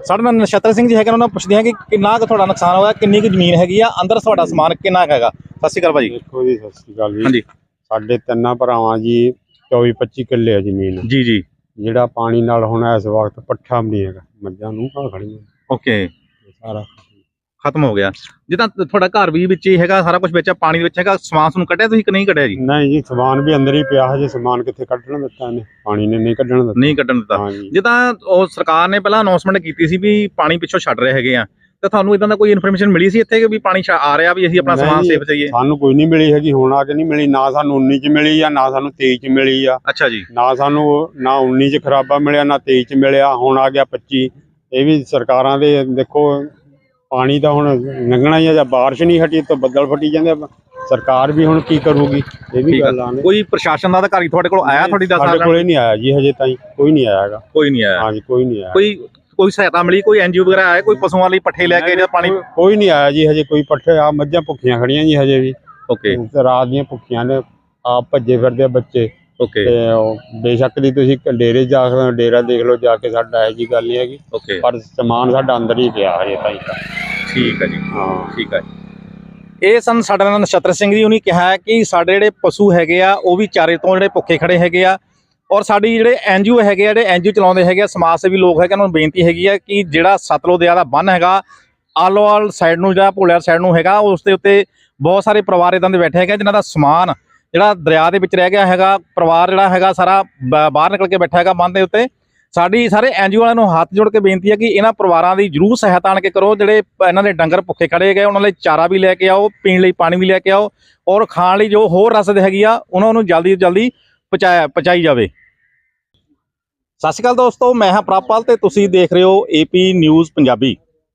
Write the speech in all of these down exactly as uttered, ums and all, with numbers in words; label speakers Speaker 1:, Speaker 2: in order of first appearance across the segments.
Speaker 1: ਸਾਡੇ ਨਾਲ ਨਛੱਤਰ ਸਿੰਘ ਜੀ ਹੈਗੇ, ਉਹਨਾਂ ਨੂੰ ਪੁੱਛਦੇ ਹਾਂ ਕਿ ਕਿੰਨਾ ਕੁ ਤੁਹਾਡਾ ਨੁਕਸਾਨ ਹੋਇਆ, ਕਿੰਨੀ ਕੁ ਜ਼ਮੀਨ ਹੈਗੀ ਆ, ਅੰਦਰ ਤੁਹਾਡਾ ਸਮਾਨ ਕਿੰਨਾ ਕੁ ਹੈਗਾ। ਸਤਿ ਸ਼੍ਰੀ ਅਕਾਲ ਭਾਜੀ।
Speaker 2: ਦੇਖੋ ਜੀ, ਸਤਿ ਸ਼੍ਰੀ ਅਕਾਲ ਜੀ।
Speaker 1: ਹਾਂਜੀ।
Speaker 2: ਸਾਡੇ ਤਿੰਨਾਂ ਭਰਾਵਾਂ ਜੀ ਚੌਵੀ ਪੱਚੀ ਕਿੱਲੇ ਆ ਜ਼ਮੀਨ
Speaker 1: ਜੀ ਜੀ।
Speaker 2: ਜਿਹੜਾ ਪਾਣੀ ਨਾਲ ਹੁਣ ਇਸ ਵਕਤ ਪੱਠਾ ਵੀ ਨਹੀਂ ਹੈਗਾ, ਮੱਝਾਂ ਨੂੰ ਆ ਖੜੀਆਂ
Speaker 1: ਓਕੇ,
Speaker 2: ਸਾਰਾ
Speaker 1: ਖਤਮ ਹੋ ਗਿਆ। ਜਿੱਦਾਂ ਤੁਹਾਡਾ ਘਰ ਵੀ ਵਿੱਚ ਹੀ ਹੈਗਾ, ਸਾਰਾ ਕੁਝ ਵਿੱਚ ਪਾਣੀ ਦੇ ਵਿੱਚ ਹੈਗਾ, ਸਮਾਨ ਸਮੂਨ ਕੱਢਿਆ ਤੁਸੀਂ ਕਿ ਨਹੀਂ ਕੱਢਿਆ ਜੀ?
Speaker 2: ਨਹੀਂ ਜੀ, ਸਮਾਨ ਵੀ ਅੰਦਰ ਹੀ ਪਿਆ, ਹਜੇ ਸਮਾਨ ਕਿੱਥੇ ਕੱਢਣ ਦਿੱਤਾ ਇਹਨੇ, ਪਾਣੀ ਨੇ ਨਹੀਂ ਕੱਢਣ ਦਿੱਤਾ।
Speaker 1: ਨਹੀਂ ਕੱਢਣ ਦਿੱਤਾ। ਜਿੱਦਾਂ ਉਹ ਸਰਕਾਰ ਨੇ ਪਹਿਲਾਂ ਅਨਾਉਂਸਮੈਂਟ ਕੀਤੀ ਸੀ ਵੀ ਪਾਣੀ ਪਿੱਛੋਂ ਛੱਡ ਰਹੇ ਹੈਗੇ ਆ, ਤੇ ਤੁਹਾਨੂੰ ਇਦਾਂ ਦਾ ਕੋਈ ਇਨਫੋਰਮੇਸ਼ਨ ਮਿਲੀ ਸੀ ਇੱਥੇ ਕਿ ਵੀ ਪਾਣੀ ਆ ਰਿਹਾ, ਵੀ ਅਸੀਂ ਆਪਣਾ ਸਮਾਨ ਸੇਫ ਜਾਈਏ?
Speaker 2: ਸਾਨੂੰ ਕੋਈ ਨਹੀਂ ਮਿਲੀ ਹੈਗੀ, ਹੁਣ ਆ ਕੇ ਨਹੀਂ ਮਿਲੀ, ਨਾ ਸਾਨੂੰ ਉੱਨੀ ਚ ਮਿਲੀ ਆ, ਨਾ ਸਾਨੂੰ ਤੇਈ ਚ ਮਿਲੀ ਆ।
Speaker 1: ਅੱਛਾ ਜੀ।
Speaker 2: ਨਾ ਸਾਨੂੰ ਨਾ ਉੱਨੀ ਚ ਖਰਾਬਾ ਮਿਲਿਆ, ਨਾ ਤੇਈ ਚ ਮਿਲਿਆ, ਹੁਣ ਆ ਗਿਆ ਪੱਚੀ। ਇਹ ਵੀ ਸਰਕਾਰਾਂ ਦੇ ਦੇਖੋ, ਪਾਣੀ ਤਾਂ ਹੁਣ ਲੰਘਣਾ ਹੀ ਆ, ਜਾਂ ਬਾਰਿਸ਼ ਨਹੀਂ ਹਟੀ ਤਾਂ ਬੱਦਲ ਫਟੀ ਜਾਂਦੇ, ਸਰਕਾਰ ਵੀ ਹੁਣ ਕੀ ਕਰੂਗੀ, ਇਹ ਵੀ ਗੱਲ ਆ।
Speaker 1: ਕੋਈ ਪ੍ਰਸ਼ਾਸਨ ਦਾ ਅਧਿਕਾਰੀ ਤੁਹਾਡੇ ਕੋਲ ਆਇਆ? ਤੁਹਾਡੀ ਦਸ
Speaker 2: ਸਾਡੇ ਕੋਲੇ ਨਹੀਂ ਆਇਆ ਜੀ ਹਜੇ ਤਾਈਂ, ਕੋਈ ਨਹੀਂ ਆਇਆ ਹੈਗਾ।
Speaker 1: ਕੋਈ ਨਹੀਂ ਆਇਆ? ਹਾਂਜੀ,
Speaker 2: ਕੋਈ ਨਹੀਂ ਆਇਆ।
Speaker 1: ਕੋਈ ਕੋਈ ਸਹਾਇਤਾ ਮਿਲੀ, ਕੋਈ ਐਨਜੀਓ ਵਗੈਰਾ ਆਇਆ, ਕੋਈ ਪਸ਼ੂਆਂ ਲਈ ਪੱਠੇ ਲੈ ਕੇ ਜਾਂ ਪਾਣੀ?
Speaker 2: ਕੋਈ ਨਹੀਂ ਆਇਆ ਜੀ ਹਜੇ, ਕੋਈ ਪੱਠੇ ਆ, ਮੱਝਾਂ ਭੁੱਖੀਆਂ ਖੜੀਆਂ ਜੀ ਹਜੇ ਵੀ।
Speaker 1: ਓਕੇ,
Speaker 2: ਰਾਤ ਦੀਆਂ ਭੁੱਖੀਆਂ ਨੇ, ਆਪ ਭੱਜੇ ਫਿਰਦੇ ਆ ਬੱਚੇ।
Speaker 1: ਓਕੇ,
Speaker 2: ਤੇ ਬੇਸ਼ੱਕ ਦੀ ਤੁਸੀਂ ਡੇਰੇ ਜਾ ਕੇ ਡੇਰਾ ਦੇਖ ਲਓ ਜਾ ਕੇ, ਸਾਡਾ ਇਹੋ ਜੀ ਗੱਲ ਨਹੀਂ ਹੈਗੀ।
Speaker 1: ਓਕੇ,
Speaker 2: ਪਰ ਸਮਾਨ ਸਾਡਾ ਅੰਦਰ ਹੀ ਪਿਆ ਹਜੇ ਤਾਈਂ ਤਾਂ।
Speaker 1: ਠੀਕ ਹੈ ਜੀ।
Speaker 2: ਹਾਂ,
Speaker 1: ਠੀਕ ਹੈ। ਇਹ ਸਨ ਸਾਡੇ ਨਾਲ ਨਛੱਤਰ ਸਿੰਘ ਜੀ। ਉਹਨੇ ਕਿਹਾ ਕਿ ਸਾਡੇ ਜਿਹੜੇ ਪਸ਼ੂ ਹੈਗੇ ਆ ਉਹ ਵੀ ਚਾਰੇ ਤੋਂ ਜਿਹੜੇ ਭੁੱਖੇ ਖੜੇ ਹੈਗੇ ਆ, ਔਰ ਸਾਡੀ ਜਿਹੜੇ ਐਨਜੀਓ ਹੈਗੇ ਆ, ਜਿਹੜੇ ਐਨਜੀਓ ਚਲਾਉਂਦੇ ਹੈਗੇ ਆ, ਸਮਾਜ ਸੇਵੀ ਲੋਕ ਹੈਗੇ, ਉਹਨਾਂ ਨੂੰ ਬੇਨਤੀ ਹੈਗੀ ਆ ਕਿ ਜਿਹੜਾ ਸਤਲੁਜ ਦਰਿਆ ਦਾ ਬੰਨ੍ਹ ਹੈਗਾ ਆਲੋਵਾਲ ਸਾਈਡ ਨੂੰ, ਜਿਹੜਾ ਭੋਲਿਆਰ ਸਾਈਡ ਨੂੰ ਹੈਗਾ, ਉਸ ਦੇ ਉੱਤੇ ਬਹੁਤ ਸਾਰੇ ਪਰਿਵਾਰ ਇਦਾਂ ਦੇ ਬੈਠੇ ਹੈਗੇ ਜਿਨ੍ਹਾਂ ਦਾ ਸਮਾਨ ਜਿਹੜਾ ਦਰਿਆ ਦੇ ਵਿੱਚ ਰਹਿ ਗਿਆ ਹੈਗਾ। ਪਰਿਵਾਰ ਜਿਹੜਾ ਹੈਗਾ ਸਾਰਾ ਬਾਹਰ ਨਿਕਲ ਕੇ ਬੈਠਾ ਹੈਗਾ ਬੰਨ੍ਹ ਦੇ ਉੱਤੇ। ਸਾਡੀ ਸਾਰੇ ਐਨਜੀਓ ਵਾਲਿਆਂ ਨੂੰ ਹੱਥ ਜੋੜ ਕੇ ਬੇਨਤੀ ਹੈ ਕਿ ਇਹਨਾਂ ਪਰਿਵਾਰਾਂ ਦੀ ਜ਼ਰੂਰ ਸਹਾਇਤਾ ਆਣ ਕੇ ਕਰੋ। ਜਿਹੜੇ ਇਹਨਾਂ ਦੇ ਡੰਗਰ ਭੁੱਖੇ ਖੜੇ ਗਏ, ਉਹਨਾਂ ਲਈ ਚਾਰਾ ਵੀ ਲੈ ਕੇ ਆਓ, ਪੀਣ ਲਈ ਪਾਣੀ ਵੀ ਲੈ ਕੇ ਆਓ, ਔਰ ਖਾਣ ਲਈ ਜੋ ਹੋਰ ਰਸਦ ਹੈਗੀ ਆ ਉਹਨਾਂ ਨੂੰ ਜਲਦੀ ਤੋਂ ਜਲਦੀ ਪਹੁੰਚਾਇਆ ਪਹੁੰਚਾਈ ਜਾਵੇ। ਸਤਿ ਸ਼੍ਰੀ ਅਕਾਲ ਦੋਸਤੋ, ਮੈਂ ਹਾਂ ਪ੍ਰਭਪਾਲ ਤੇ ਤੁਸੀਂ ਦੇਖ ਰਹੇ ਹੋ ਏਪੀ ਨਿਊਜ਼ ਪੰਜਾਬੀ।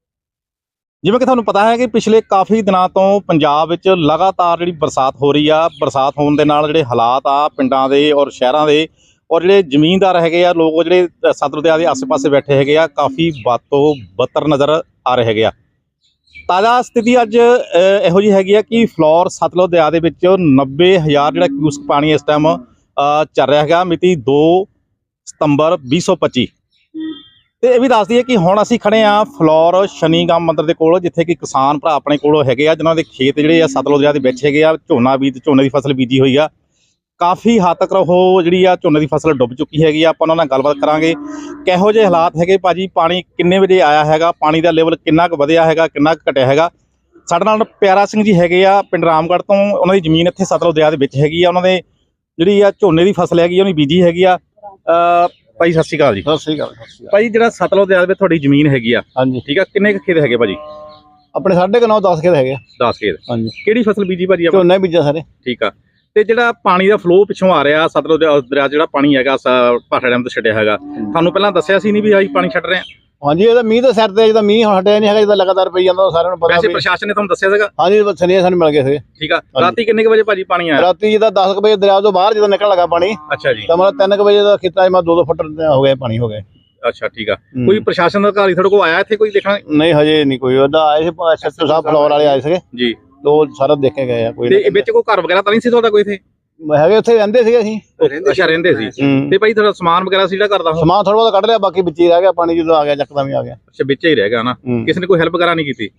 Speaker 1: ਜਿਵੇਂ ਕਿ ਤੁਹਾਨੂੰ ਪਤਾ ਹੈ ਕਿ ਪਿਛਲੇ ਕਾਫੀ ਦਿਨਾਂ ਤੋਂ ਪੰਜਾਬ ਵਿੱਚ ਲਗਾਤਾਰ ਜਿਹੜੀ ਬਰਸਾਤ ਹੋ ਰਹੀ ਆ, ਬਰਸਾਤ ਹੋਣ ਦੇ ਨਾਲ ਜਿਹੜੇ ਹਾਲਾਤ ਆ ਪਿੰਡਾਂ ਦੇ ਔਰ ਸ਼ਹਿਰਾਂ ਦੇ, ਔਰ ਜਿਹੜੇ ਜ਼ਮੀਨਦਾਰ ਹੈਗੇ ਆ ਲੋਕ, ਜਿਹੜੇ ਸਤਲੁਜ ਦਰਿਆ ਦੇ ਆਸੇ ਪਾਸੇ ਬੈਠੇ ਹੈਗੇ ਆ, ਕਾਫੀ ਬਦ ਤੋਂ ਬਦਤਰ ਨਜ਼ਰ ਆ ਰਹੇ ਹੈਗੇ ਆ। ਤਾਜ਼ਾ ਸਥਿਤੀ ਅੱਜ ਇਹੋ ਜਿਹੀ ਹੈਗੀ ਆ ਕਿ ਫਲੋਰ ਸਤਲੁਜ ਦਰਿਆ ਦੇ ਵਿੱਚ ਨੱਬੇ ਹਜ਼ਾਰ ਜਿਹੜਾ ਕਿਊਸਕ ਪਾਣੀ ਇਸ ਟਾਈਮ ਚੱਲ ਰਿਹਾ ਹੈਗਾ, ਮਿਤੀ ਦੋ ਸਤੰਬਰ ਵੀਹ ਸੌ ਪੱਚੀ। ਤੇ ਇਹ ਵੀ ਦੱਸ ਦਈਏ ਕਿ ਹੁਣ ਅਸੀਂ ਖੜੇ ਆ ਫਲੋਰ ਸ਼ਨੀਗਮ ਮੰਦਿਰ ਦੇ ਕੋਲ, ਜਿੱਥੇ ਕਿ ਕਿਸਾਨ ਭਰਾ ਆਪਣੇ ਕੋਲ ਹੈਗੇ ਆ ਜਿਨ੍ਹਾਂ ਦੇ ਖੇਤ ਜਿਹੜੇ ਆ ਸਤਲੁਜ ਦਰਿਆ ਦੇ ਵਿੱਚ ਹੈਗੇ ਆ, ਝੋਨਾ ਬੀਜ ਝੋਨੇ ਦੀ ਫਸਲ ਬੀਜੀ ਹੋਈ ਆ। ਕਾਫੀ ਹੱਦ ਤੱਕ ਉਹ ਜਿਹੜੀ ਆ ਝੋਨੇ ਦੀ ਫਸਲ ਡੁੱਬ ਚੁੱਕੀ ਹੈਗੀ ਆ। ਆਪਾਂ ਉਹਨਾਂ ਨਾਲ ਗੱਲਬਾਤ ਕਰਾਂਗੇ ਕਿਹੋ ਜਿਹੇ ਹਾਲਾਤ ਹੈਗੇ ਭਾਜੀ, ਪਾਣੀ ਕਿੰਨੇ ਵਜੇ ਆਇਆ ਹੈਗਾ, ਪਾਣੀ ਦਾ ਲੈਵਲ ਕਿੰਨਾ ਕੁ ਵਧਿਆ ਹੈਗਾ, ਕਿੰਨਾ ਕੁ ਘਟਿਆ ਹੈਗਾ। ਸਾਡੇ ਨਾਲ ਪਿਆਰਾ ਸਿੰਘ ਜੀ ਹੈਗੇ ਆ ਪਿੰਡ ਰਾਮਗੜ੍ਹ ਤੋਂ, ਉਹਨਾਂ ਦੀ ਜ਼ਮੀਨ ਇੱਥੇ ਸਤਲੁਜ ਦਰਿਆ ਦੇ ਵਿੱਚ ਹੈਗੀ ਆ। ਉਹਨਾਂ ਦੇ ਜਿਹੜੀ ਆ ਝੋਨੇ ਦੀ ਫਸਲ ਹੈਗੀ ਉਹਨੇ ਬੀਜੀ ਹੈਗੀ ਆ। ਭਾਈ ਸਤਿ ਸ਼੍ਰੀ ਅਕਾਲ ਜੀ।
Speaker 3: ਸਤਿ ਸ਼੍ਰੀ ਅਕਾਲ।
Speaker 1: ਭਾਈ ਜਿਹੜਾ ਸਤਲੁਜ ਦਰਿਆ ਵਿੱਚ ਤੁਹਾਡੀ ਜ਼ਮੀਨ ਹੈਗੀ ਆ,
Speaker 3: ਹਾਂਜੀ
Speaker 1: ਠੀਕ ਆ, ਕਿੰਨੇ ਕੁ ਖੇਤ ਹੈਗੇ ਭਾਜੀ?
Speaker 3: ਆਪਣੇ ਸਾਢੇ ਕੁ ਨੌ ਦਸ ਖੇਤ ਹੈਗੇ।
Speaker 1: ਦਸ ਖੇਤ।
Speaker 3: ਹਾਂਜੀ।
Speaker 1: ਕਿਹੜੀ ਫਸਲ ਬੀਜੀ ਭਾਜੀ?
Speaker 3: ਝੋਨਾ ਬੀਜਿਆ ਸਾਰੇ।
Speaker 1: ਠੀਕ ਆ। ਤੇ ਜਿਹੜਾ ਪਾਣੀ ਦਾ ਫਲੋ ਪਿੱਛੋਂ ਆ ਰਿਹਾ ਸਤਲੁਜ ਦਰਿਆ, ਜਿਹੜਾ ਪਾਣੀ ਹੈਗਾ ਭਾਖੜਾ ਡੈਮ ਤੋਂ ਛੱਡਿਆ ਹੈਗਾ, ਤੁਹਾਨੂੰ ਪਹਿਲਾਂ ਦੱਸਿਆ ਸੀ ਨਹੀਂ ਵੀ ਅਸੀਂ ਪਾਣੀ ਛੱਡ ਰਹੇ ਹਾਂ?
Speaker 3: ਹਾਂਜੀ, ਇਹਦਾ ਮੀਂਹ ਤਾਂ ਸਿਰ ਤੇ, ਜਿਹਦਾ ਮੀਂਹ ਹਟਿਆ ਨਹੀਂ ਹੈਗਾ, ਜਿਹਦਾ ਲਗਾਤਾਰ ਪਈ ਜਾਂਦਾ, ਸਾਰਿਆਂ ਨੂੰ ਪਤਾ।
Speaker 1: ਵੈਸੇ ਪ੍ਰਸ਼ਾਸਨ ਨੇ ਤੁਹਾਨੂੰ ਦੱਸਿਆ ਸੀਗਾ?
Speaker 3: ਹਾਂਜੀ, ਸਨੇਹ ਸਾਨੂੰ ਮਿਲ ਗਏ ਸੀਗੇ।
Speaker 1: ਠੀਕ ਆ। ਰਾਤੀ ਕਿੰਨੇ ਕੁ ਵਜੇ ਭਾਜੀ ਪਾਣੀ ਆਇਆ?
Speaker 3: ਰਾਤੀ ਜਿਹਦਾ ਦਸ ਕੁ ਵਜੇ ਦਰਿਆ ਤੋਂ ਬਾਹਰ ਜਦੋਂ ਨਿਕਲਣ ਲੱਗਾ ਪਾਣੀ,
Speaker 1: ਅੱਛਾ ਜੀ, ਤਾਂ
Speaker 3: ਮਤਲਬ ਤਿੰਨ ਕੁ ਵਜੇ ਦਾ ਖੇਤਾਂ 'ਚ ਮੈਂ ਦੋ ਦੋ ਫੁੱਟ ਹੋ ਗਏ ਪਾਣੀ ਹੋ ਗਏ।
Speaker 1: ਅੱਛਾ, ਠੀਕ ਆ। ਕੋਈ ਪ੍ਰਸ਼ਾਸਨ ਦਾ ਅਧਿਕਾਰੀ ਤੁਹਾਡੇ ਕੋਲ ਆਇਆ ਇੱਥੇ ਕੋਈ ਦੇਖਣ?
Speaker 3: ਨਹੀਂ, ਹਜੇ ਨਹੀਂ ਕੋਈ। ਉਹਦਾ ਆਏ ਸੀ ਐਸਐਚਓ ਸਾਹਿਬ ਫਲੋਰ ਵਾਲੇ ਆਏ ਸੀਗੇ
Speaker 1: ਜੀ,
Speaker 3: ਉਹ ਸਾਰਾ ਦੇਖੇ ਗਏ ਆ। ਕੋਈ
Speaker 1: ਤੇ ਵਿੱਚ ਕੋਈ ਘਰ ਵਗੈਰਾ ਤਾਂ ਨਹੀਂ ਸੀ ਤੁਹਾਡਾ ਕੋਈ ਇੱਥੇ?
Speaker 3: ਹੈਗੇ, ਉੱਥੇ ਰਹਿੰਦੇ ਸੀਗੇ ਅਸੀਂ।
Speaker 1: ਅੱਛਾ, ਰਹਿੰਦੇ ਸੀ। ਤੇ ਭਾਈ ਤੁਹਾਡਾ ਸਮਾਨ ਵਗੈਰਾ ਸੀ ਜਿਹੜਾ ਘਰ ਦਾ?
Speaker 3: ਸਮਾਨ ਥੋੜਾ ਬਹੁਤ ਕੱਢ ਲਿਆ, ਬਾਕੀ ਵਿੱਚ ਹੀ ਰਹਿ ਗਿਆ ਪਾਣੀ, ਜਦੋਂ ਆ ਗਿਆ ਚੱਕਦਮ ਹੀ ਆ ਗਿਆ।
Speaker 1: ਅੱਛਾ, ਵਿੱਚ ਹੀ ਰਹਿ ਗਿਆ ਨਾ? ਕਿਸੇ ਨੇ ਕੋਈ ਹੈਲਪ ਵਗੈਰਾ ਨਹੀਂ ਕੀਤੀ?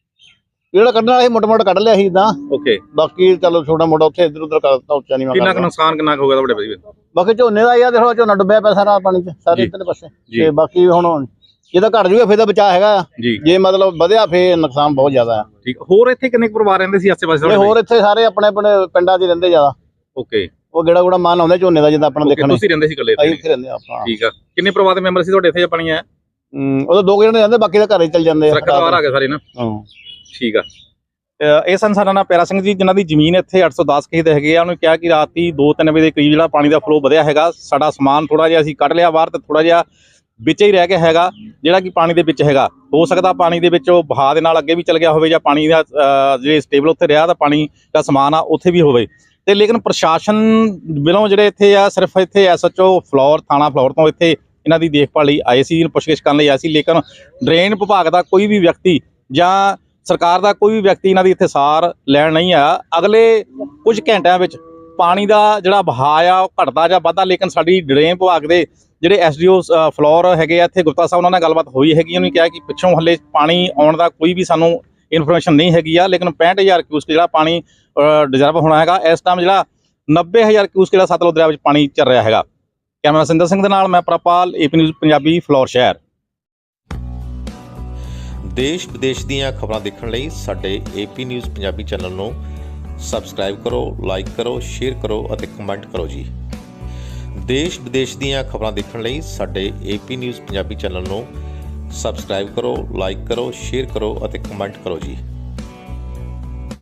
Speaker 3: ਜਿਹੜਾ ਕੱਢਣ ਵਾਲਾ ਸੀ ਮੋਟਾ ਮੋਟਾ ਕੱਢ ਲਿਆ ਸੀ ਇਦਾਂ।
Speaker 1: ਓਕੇ।
Speaker 3: ਬਾਕੀ ਚਲੋ ਛੋਟਾ ਮੋਟਾ ਉੱਥੇ ਇੱਧਰ ਉੱਧਰ ਕਰ ਦਿੱਤਾ, ਉੱਚਾ ਨਹੀਂ।
Speaker 1: ਕਿੰਨਾ ਕੁ ਨੁਕਸਾਨ ਕਿੰਨਾ ਕੁ ਹੋ ਗਿਆ ਤੁਹਾਡੇ ਭਾਈ?
Speaker 3: ਬਾਕੀ ਝੋਨੇ ਦਾ ਯਾਰ ਦੇਖੋ, ਝੋਨਾ ਡੁੱਬਿਆ ਪਿਆ ਸਾਰਾ ਪਾਣੀ 'ਚ, ਸਾਰੇ ਇੱਧਰਲੇ ਪਾਸੇ। ਤੇ ਬਾਕੀ ਹੁਣ ਜਿਹਦਾ ਘਟ ਜੂਗਾ ਫਿਰ ਤਾਂ ਬਚਾਅ ਹੈਗਾ, ਜੇ ਮਤਲਬ ਵਧਿਆ ਫੇਰ ਨੁਕਸਾਨ ਬਹੁਤ ਜ਼ਿਆਦਾ ਆ।
Speaker 1: ਠੀਕ। ਹੋਰ ਇੱਥੇ ਕਿੰਨੇ ਪਰਿਵਾਰ ਰਹਿੰਦੇ ਸੀ ਆਸੇ ਪਾਸੇ?
Speaker 3: ਹੋਰ ਇੱਥੇ ਸਾਰੇ ਆਪਣੇ ਆਪਣੇ ਪਿੰਡਾਂ 'ਚ ਰਹਿੰਦੇ ਜ਼ਿਆਦਾ।
Speaker 1: ਓਕੇ।
Speaker 3: ਉਹ ਗੇੜਾ ਗੂੜਾ ਮਾਨ ਆਉਂਦੇ ਝੋਨੇ ਦਾ, ਜਿੱਦਾਂ ਆਪਣਾ ਦੇਖਣਾ।
Speaker 1: ਤੁਸੀਂ ਰਹਿੰਦੇ ਸੀ ਇਕੱਲੇ?
Speaker 3: ਅਸੀਂ ਇੱਥੇ ਰਹਿੰਦੇ ਆਪਾਂ।
Speaker 1: ਠੀਕ ਆ। ਕਿੰਨੇ ਪਰਿਵਾਰ ਦੇ ਮੈਂਬਰ ਸੀ ਤੁਹਾਡੇ ਇੱਥੇ ਪਾਣੀ ਆਇਆ?
Speaker 3: ਹੂੰ, ਉਹ ਦੋ ਜਣੇ ਰਹਿੰਦੇ, ਬਾਕੀ ਤਾਂ ਘਰੇ ਚੱਲ ਜਾਂਦੇ ਆ।
Speaker 1: ਪਰਿਵਾਰ ਆ ਗਏ ਸਾਰੇ ਨਾ?
Speaker 3: ਹਾਂ,
Speaker 1: ਠੀਕ ਆ। ਇਹ ਸਨ ਸਾਡਾ ਨਾਲ ਪਿਆਰਾ ਸਿੰਘ ਜੀ, ਜਿਨ੍ਹਾਂ ਦੀ ਜ਼ਮੀਨ ਇੱਥੇ ਅੱਠ ਸੌ ਦਸ ਖੇਤ ਹੈਗੇ ਆ। ਉਹਨੂੰ ਕਿਹਾ ਕਿ ਰਾਤੀ ਦੋ ਤਿੰਨ ਵਜੇ ਦੇ ਕਰੀਬ ਜਿਹੜਾ ਪਾਣੀ ਦਾ ਫਲੋ ਵਧਿਆ ਹੈਗਾ, ਸਾਡਾ ਸਮਾਨ ਥੋੜਾ ਜਿਹਾ ਅਸੀਂ ਕੱਢ ਲਿਆ ਬਾਹਰ, ਤੇ ਥੋੜਾ ਜਿਹਾ ਵਿੱਚ ਹੀ ਰਹਿ ਗਿਆ ਹੈਗਾ ਜਿਹੜਾ ਕਿ ਪਾਣੀ ਦੇ ਵਿੱਚ ਹੈਗਾ। ਹੋ ਸਕਦਾ ਪਾਣੀ ਦੇ ਵਿੱਚ ਉਹ ਵਹਾਅ ਦੇ ਨਾਲ ਅੱਗੇ ਵੀ ਚਲ ਗਿਆ ਹੋਵੇ, ਜਾਂ ਪਾਣੀ ਦਾ ਜਿਹੜੇ ਸਟੇਬਲ ਉੱਥੇ ਰਿਹਾ ਤਾਂ ਪਾਣੀ ਦਾ ਸਮਾਨ ਆ ਉੱਥੇ ਵੀ ਹੋਵੇ। ਤੇ ਲੇਕਿਨ ਪ੍ਰਸ਼ਾਸਨ ਵੱਲੋਂ ਜਿਹੜੇ ਇੱਥੇ ਆ, ਸਿਰਫ ਇੱਥੇ ਐਸਐਚਓ ਫਲੋਰ ਥਾਣਾ ਫਲੋਰ ਤੋਂ ਇੱਥੇ ਇਹਨਾਂ ਦੀ ਦੇਖਭਾਲ ਲਈ ਆਏ ਸੀ, ਪੁੱਛਗਿੱਛ ਕਰਨ ਲਈ ਆਏ ਸੀ, ਲੇਕਿਨ ਡਰੇਨ ਵਿਭਾਗ ਦਾ ਕੋਈ ਵੀ ਵਿਅਕਤੀ ਜਾਂ ਸਰਕਾਰ ਦਾ ਕੋਈ ਵੀ ਵਿਅਕਤੀ ਇਹਨਾਂ ਦੀ ਇੱਥੇ ਸਾਰ ਲੈਣ ਨਹੀਂ ਆਇਆ। ਅਗਲੇ ਕੁਝ ਘੰਟਿਆਂ ਵਿੱਚ ਪਾਣੀ ਦਾ ਜਿਹੜਾ ਵਹਾਅ ਆ ਉਹ ਘਟਦਾ ਜਾਂ ਵੱਧਦਾ, ਲੇਕਿਨ ਸਾਡੀ ਡਰੇਨ ਵਿਭਾਗ ਦੇ ਜਿਹੜੇ ਐਸਡੀਓ ਫਲੋਰ ਹੈਗੇ ਆ ਇੱਥੇ ਗੁਪਤਾ ਸਾਹਿਬ, ਉਹਨਾਂ ਨਾਲ ਗੱਲਬਾਤ ਹੋਈ ਹੈਗੀ। ਉਹਨੇ ਕਿਹਾ ਕਿ ਪਿੱਛੋਂ ਹੱਲੇ ਪਾਣੀ ਆਉਣ ਦਾ ਕੋਈ ਵੀ ਸਾਨੂੰ ਇਨਫੋਰਮੇਸ਼ਨ ਨਹੀਂ ਹੈਗੀ ਆ, ਲੇਕਿਨ ਪੈਂਹਠ ਹਜ਼ਾਰ ਕਿਊਸਕ ਜਿਹੜਾ ਪਾਣੀ ਡਿਜ਼ਰਵ ਹੋਣਾ ਹੈਗਾ। ਇਸ ਟਾਈਮ ਜਿਹੜਾ ਨੱਬੇ ਹਜ਼ਾਰ ਕਿਊਸਕ ਜਿਹੜਾ ਸਤਲੁਜ ਦਰਿਆ ਵਿੱਚ ਪਾਣੀ ਚੱਲ ਰਿਹਾ ਹੈਗਾ। ਕੈਮਰਾ ਸਿੰਦਰ ਸਿੰਘ ਦੇ ਨਾਲ ਮੈਂ ਪ੍ਰਪਾਲ, ਏਪੀ ਨਿਊਜ਼ ਪੰਜਾਬੀ, ਫਲੋਰ ਸ਼ਹਿਰ।
Speaker 4: ਦੇਸ਼ ਵਿਦੇਸ਼ ਦੀਆਂ ਖਬਰਾਂ ਦੇਖਣ ਲਈ ਸਾਡੇ ਏਪੀ ਨਿਊਜ਼ ਪੰਜਾਬੀ ਚੈਨਲ ਨੂੰ ਸਬਸਕ੍ਰਾਈਬ ਕਰੋ, ਲਾਈਕ ਕਰੋ, ਸ਼ੇਅਰ ਕਰੋ ਅਤੇ ਕਮੈਂਟ ਕਰੋ ਜੀ। ਦੇਸ਼ ਵਿਦੇਸ਼ ਦੀਆਂ ਖਬਰਾਂ ਦੇਖਣ ਲਈ ਸਾਡੇ ਏਪੀ ਨਿਊਜ਼ ਪੰਜਾਬੀ ਚੈਨਲ ਨੂੰ ਸਬਸਕ੍ਰਾਈਬ ਕਰੋ, ਲਾਈਕ ਕਰੋ, ਸ਼ੇਅਰ ਕਰੋ ਅਤੇ ਕਮੈਂਟ ਕਰੋ ਜੀ।